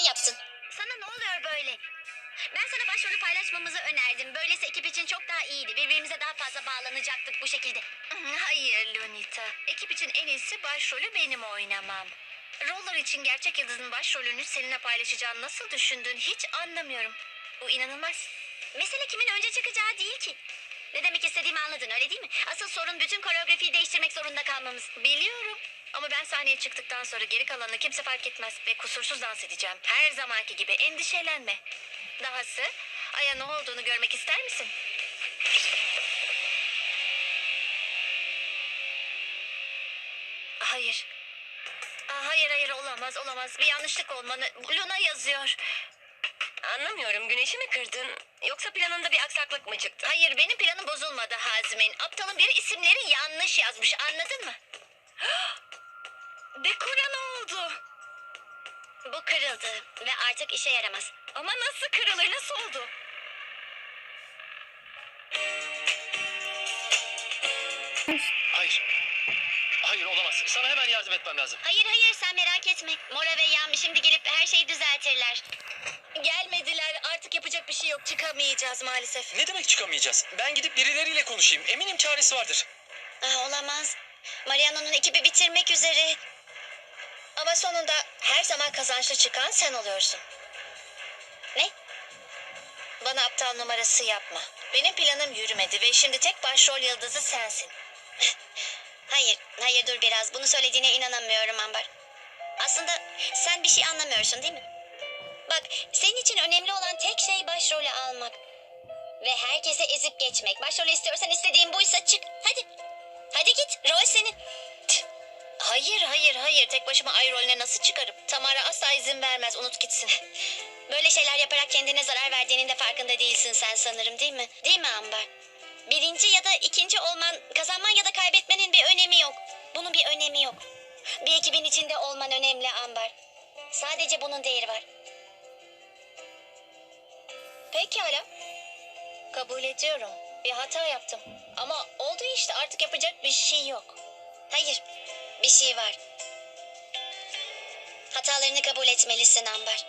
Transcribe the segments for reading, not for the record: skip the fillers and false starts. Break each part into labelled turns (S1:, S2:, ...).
S1: yapsın.
S2: Sana ne oluyor böyle? Ben sana başrolü paylaşmamızı önerdim. Böylesi ekip için çok daha iyiydi. Birbirimize daha fazla bağlanacaktık bu şekilde. Hayır Lunita. Ekip için en iyisi başrolü benim oynamam. Roller için gerçek yıldızın başrolünü seninle paylaşacağını nasıl düşündün hiç anlamıyorum. Bu inanılmaz. Mesele kimin önce çıkacağı değil ki. Ne demek istediğimi anladın öyle değil mi? Asıl sorun bütün koreografiyi değiştirmek zorunda kalmamız. Biliyorum. Ama ben sahneye çıktıktan sonra geri kalanını kimse fark etmez ve kusursuz dans edeceğim. Her zamanki gibi endişelenme. Dahası Aya ne olduğunu görmek ister misin? Hayır. Hayır olamaz. Bir yanlışlık olmalı. Luna yazıyor. Anlamıyorum. Güneşi mi kırdın? Yoksa planında bir aksaklık mı çıktı? Hayır benim planım bozulmadı Hazmin. Aptalın biri isimleri yanlış yazmış anladın mı? Dekora ne oldu? Bu kırıldı ve artık işe yaramaz. Ama nasıl kırılır? Nasıl oldu?
S3: Hayır. Hayır olamaz. Sana hemen yardım etmem lazım.
S2: Hayır sen merak etme. Mora ve Yami şimdi gelip her şeyi düzeltirler. Gelmediler. Artık yapacak bir şey yok. Çıkamayacağız maalesef.
S3: Ne demek çıkamayacağız? Ben gidip birileriyle konuşayım. Eminim çaresi vardır.
S2: Olamaz. Mariano'nun ekibi bitirmek üzere. Ama sonunda her zaman kazançlı çıkan sen oluyorsun. Ne? Bana aptal numarası yapma. Benim planım yürümedi ve şimdi tek başrol yıldızı sensin. Hayır dur biraz. Bunu söylediğine inanamıyorum Ambar. Aslında sen bir şey anlamıyorsun değil mi? Bak senin için önemli olan tek şey başrolü almak. Ve herkese ezip geçmek. Başrolü istiyorsan istediğin buysa çık. Hadi. Hadi git. Rol senin. Hayır. Tek başıma ay rolüne nasıl çıkarım? Tamara asla izin vermez. Unut gitsin. Böyle şeyler yaparak kendine zarar verdiğinin de farkında değilsin sen sanırım değil mi? Değil mi Ambar? Birinci ya da ikinci olman, kazanman ya da kaybetmenin bir önemi yok. Bunun bir önemi yok. Bir ekibin içinde olman önemli Ambar. Sadece bunun değeri var. Pekala. Kabul ediyorum. Bir hata yaptım. Ama oldu işte artık yapacak bir şey yok. Hayır. Bir şey var. Hatalarını kabul etmelisin Ambar.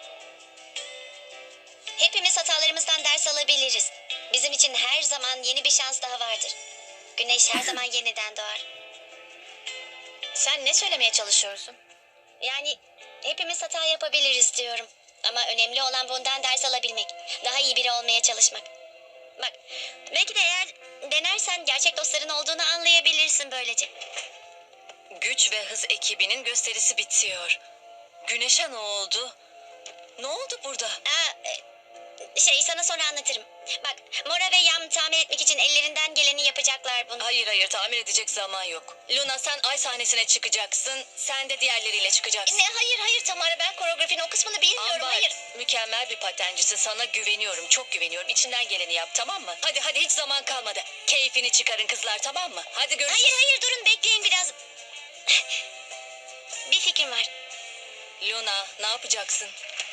S2: Hepimiz hatalarımızdan ders alabiliriz. Bizim için her zaman yeni bir şans daha vardır. Güneş her zaman yeniden doğar. Sen ne söylemeye çalışıyorsun? Yani hepimiz hata yapabiliriz diyorum. Ama önemli olan bundan ders alabilmek. Daha iyi biri olmaya çalışmak. Bak, belki de eğer denersen gerçek dostların olduğunu anlayabilirsin böylece.
S4: Güç ve hız ekibinin gösterisi bitiyor. Güneşe ne oldu? Ne oldu burada?
S2: Sana sonra anlatırım. Bak, Mora ve Yam tamir etmek için ellerinden geleni yapacaklar bunu.
S4: Hayır tamir edecek zaman yok. Luna sen ay sahnesine çıkacaksın. Sen de diğerleriyle çıkacaksın.
S2: Hayır Tamara ben koreografinin o kısmını bilmiyorum.
S4: Ambar,
S2: Hayır.
S4: mükemmel bir patencisin. Sana güveniyorum. Çok güveniyorum. İçinden geleni yap tamam mı? Hadi hiç zaman kalmadı. Keyfini çıkarın kızlar tamam mı? Hadi görüşürüz.
S2: Hayır durun bekleyin biraz. Bir fikrim var.
S4: Luna ne yapacaksın?